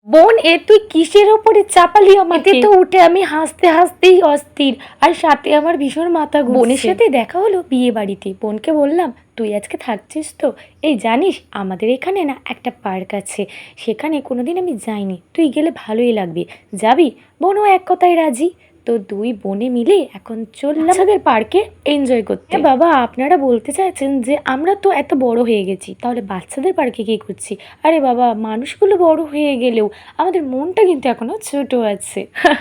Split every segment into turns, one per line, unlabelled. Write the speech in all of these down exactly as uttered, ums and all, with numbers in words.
বোন, এ তুই কিসের ওপরে চাপালি আমাকে? তো উঠে আমি হাসতে হাসতেই অস্থির, আর সাথে আমার ভীষণ মাথা ঘুরছে। বোনের সাথে দেখা হলো বিয়ে বাড়িতে। বোনকে বললাম, তুই আজকে থাকছিস তো? এই জানিস আমাদের এখানে না একটা পার্ক আছে, সেখানে কোনোদিন আমি যাইনি, তুই গেলে ভালোই লাগবে, যাবি? বোনও এক কথায় রাজি। তো দুই বোনে মিলে এখন চললাম আমাদের পার্কে এনজয় করতে। বাবা, আপনারা বলতে চাইছেন যে আমরা তো এত বড় হয়ে গেছি, তাহলে বাচ্চাদের পার্কে কী করছি? আরে বাবা, মানুষগুলো বড় হয়ে গেলেও আমাদের মনটা কিন্তু এখনো ছোট আছে।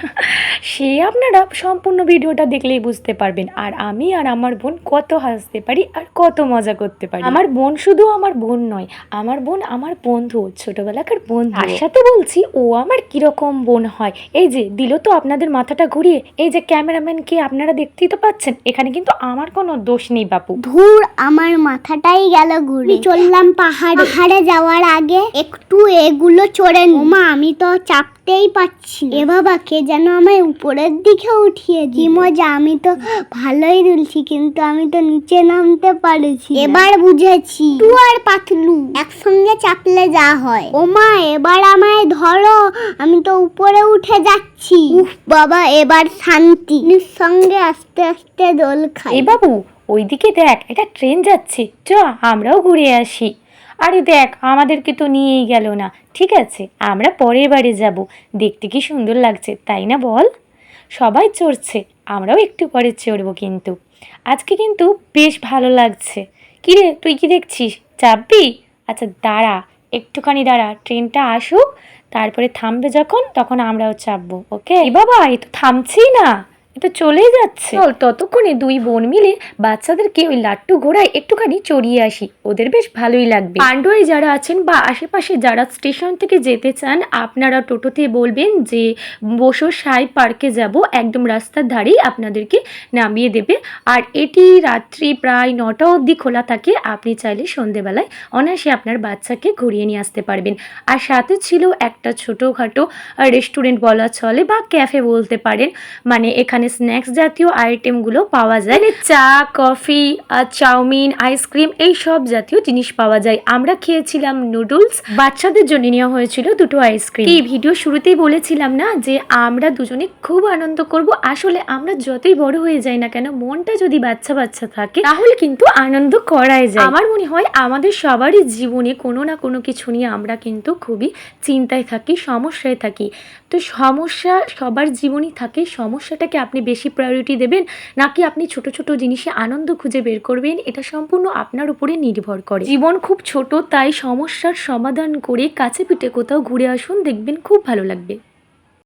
সে আপনারা সম্পূর্ণ ভিডিওটা দেখলেই বুঝতে পারবেন। আর আমি আর আমার বোন কত হাসতে পারি আর কত মজা করতে পারি। আমার বোন শুধু আমার বোন নয়, আমার বোন আমার বন্ধু, ছোটবেলাকার বন্ধু। তার সাথে বলছি ও আমার কিরকম বোন হয়। এই যে দিল তো আপনাদের মাথাটা ঘুরিয়ে। এই যে ক্যামেরাম্যানকে আপনারা দেখতেই তো পাচ্ছেন, এখানে কিন্তু আমার কোনো দোষ নেই বাপু।
ধুর, আমার মাথাটাই গেল ঘুরে। চললাম পাহাড়ে। পাহাড়ে যাওয়ার আগে একটু এগুলো চড়ে নি। মা, আমি তো চাপতেই পাচ্ছি। এ বাবা, কে যেন আমায় উপরের দিকে উঠিয়ে দি। মজা, আমি তো ভালোই দুলছি, কিন্তু আমি তো নিচে নামতে পারছি। এবার বুঝেছি টু আর পাতলু একসঙ্গে চাপলে যা হয়। ও মা, এবার আমায় ধরো, আমি তো উপরে উঠে যাচ্ছি। উফ বাবা, এবার শান্তি। সঙ্গে আস্তে আস্তে দোল খাই।
এই বাবু, ওইদিকে দেখ, একটা ট্রেন যাচ্ছে, চ আমরাও ঘুরে আসি। আরে দেখ, আমাদেরকে তো নিয়েই গেল না। ঠিক আছে, আমরা পরের বারে যাব, দেখতে কি সুন্দর লাগছে তাই না বল? সবাই চড়ছে, আমরাও একটু পরে চড়বো। কিন্তু আজকে কিন্তু বেশ ভালো লাগছে। কিরে, তুই কি দেখছিস, চাপবি? আচ্ছা দাঁড়া, একটুখানি দাঁড়া, ট্রেনটা আসুক, তারপরে থামবে যখন তখন আমরাও চাপবো। ওকে? এ বাবা, এ তো থামছেই না, এটা চলেই যাচ্ছে। চল, ততক্ষণে দুই বোন মিলে বাচ্চাদেরকে ওই লাট্টু ঘোড়ায় একটুখানি চড়িয়ে আসি, ওদের বেশ ভালোই লাগবে। পান্ডুয়ায় যারা আছেন বা আশেপাশে যারা স্টেশন থেকে যেতে চান, আপনারা টোটোতে বলবেন যে বসো সাই পার্কে যাব, একদম রাস্তার ধারেই আপনাদেরকে নামিয়ে দেবে। আর এটি রাত্রি প্রায় নটা অবধি খোলা থাকে, আপনি চাইলে সন্ধেবেলায় অনায়াসে আপনার বাচ্চাকে ঘুরিয়ে নিয়ে আসতে পারবেন। আর সাথে ছিল একটা ছোটোখাটো রেস্টুরেন্ট বলা চলে বা ক্যাফে বলতে পারেন, মানে এখানে স্ন্যাক্স জাতীয় আইটেমগুলো পাওয়া যায়, চা, কফি, চাউমিন, আইসক্রিম, এই সব জাতীয় জিনিস পাওয়া যায়। আমরা খেয়েছিলাম নুডলস, বাচ্চাদের জন্য নেওয়া হয়েছিল দুটো আইসক্রিম। এই ভিডিও শুরুতেই বলেছিলাম না যে আমরা দুজনে খুব আনন্দ করব। আসলে আমরা যতই বড় হয়ে যাই না কেন, মনটা যদি বাচ্চা বাচ্চা থাকে তাহলে কিন্তু আনন্দ করাই যায়। আমার মনে হয় আমাদের সবারই জীবনে কোনো না কোনো কিছু নিয়ে আমরা কিন্তু খুবই চিন্তায় থাকি, সমস্যায় থাকি। তো সমস্যা সবার জীবনই থাকে, সমস্যাটাকে আপনি বেশি প্রায়োরিটি দেবেন নাকি আপনি ছোট ছোট জিনিসে আনন্দ খুঁজে বের করবেন, এটা সম্পূর্ণ আপনার উপরে নির্ভর করে। জীবন খুব ছোট, তাই সমস্যার সমাধান করে কাছে পিঠে কোথাও ঘুরে আসুন, দেখবেন খুব ভালো লাগবে।